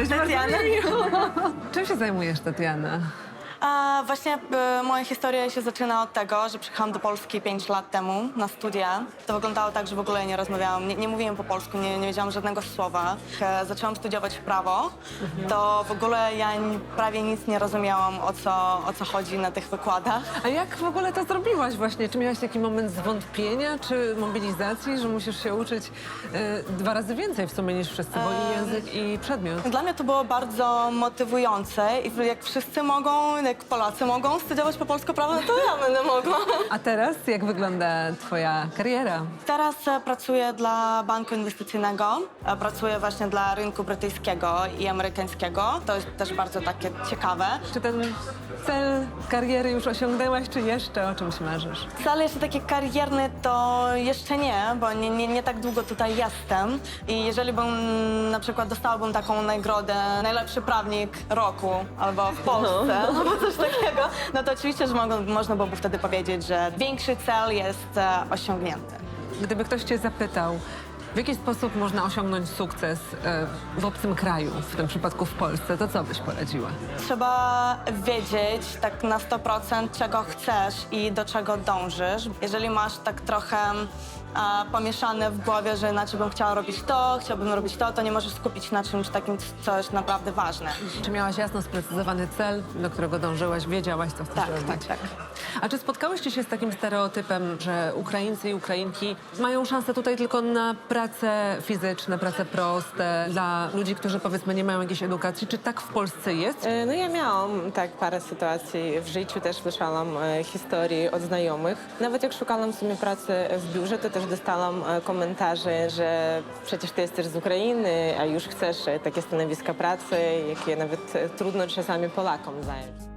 Cześć, Tatiana. Czym się zajmujesz, Tatiana? Właśnie moja historia się zaczyna od tego, że przyjechałam do Polski 5 lat temu na studia. To wyglądało tak, że w ogóle nie rozmawiałam, nie mówiłam po polsku, nie wiedziałam żadnego słowa. Jak zaczęłam studiować prawo, to w ogóle ja prawie nic nie rozumiałam, o co chodzi na tych wykładach. A jak w ogóle to zrobiłaś właśnie? Czy miałaś taki moment zwątpienia, czy mobilizacji, że musisz się uczyć 2 razy więcej w sumie niż wszyscy, bo i język, i przedmiot? Dla mnie to było bardzo motywujące i jak wszyscy mogą, jak Polacy mogą studiować po polsku prawo, no to ja będę mogła. A teraz jak wygląda twoja kariera? Teraz pracuję dla banku inwestycyjnego. Pracuję właśnie dla rynku brytyjskiego i amerykańskiego. To jest też bardzo takie ciekawe. Czy ten cel kariery już osiągnęłaś, czy jeszcze o czymś marzysz? Cel jeszcze taki karierny to jeszcze nie, bo nie tak długo tutaj jestem. I jeżeli bym na przykład dostałabym taką nagrodę najlepszy prawnik roku albo w Polsce, albo coś takiego, no to oczywiście, że można byłoby wtedy powiedzieć, że większy cel jest osiągnięty. Gdyby ktoś cię zapytał, w jaki sposób można osiągnąć sukces w obcym kraju, w tym przypadku w Polsce, to co byś poradziła? Trzeba wiedzieć tak na 100% czego chcesz i do czego dążysz. Jeżeli masz tak trochę pomieszane w głowie, że inaczej bym chciała robić to, chciałbym robić to, to nie możesz skupić na czymś takim, co jest naprawdę ważne. Czy miałaś jasno sprecyzowany cel, do którego dążyłaś, wiedziałaś, co chcesz robić? Tak. A czy spotkałyście się z takim stereotypem, że Ukraińcy i Ukrainki mają szansę tutaj tylko na prace fizyczne, prace proste, dla ludzi, którzy powiedzmy nie mają jakiejś edukacji? Czy tak w Polsce jest? No ja miałam tak parę sytuacji w życiu, też słyszałam historii od znajomych. Nawet jak szukałam sobie pracy w biurze, to też dostałam komentarze, że przecież ty jesteś z Ukrainy, a już chcesz takie stanowiska pracy, jakie nawet trudno czasami Polakom zająć.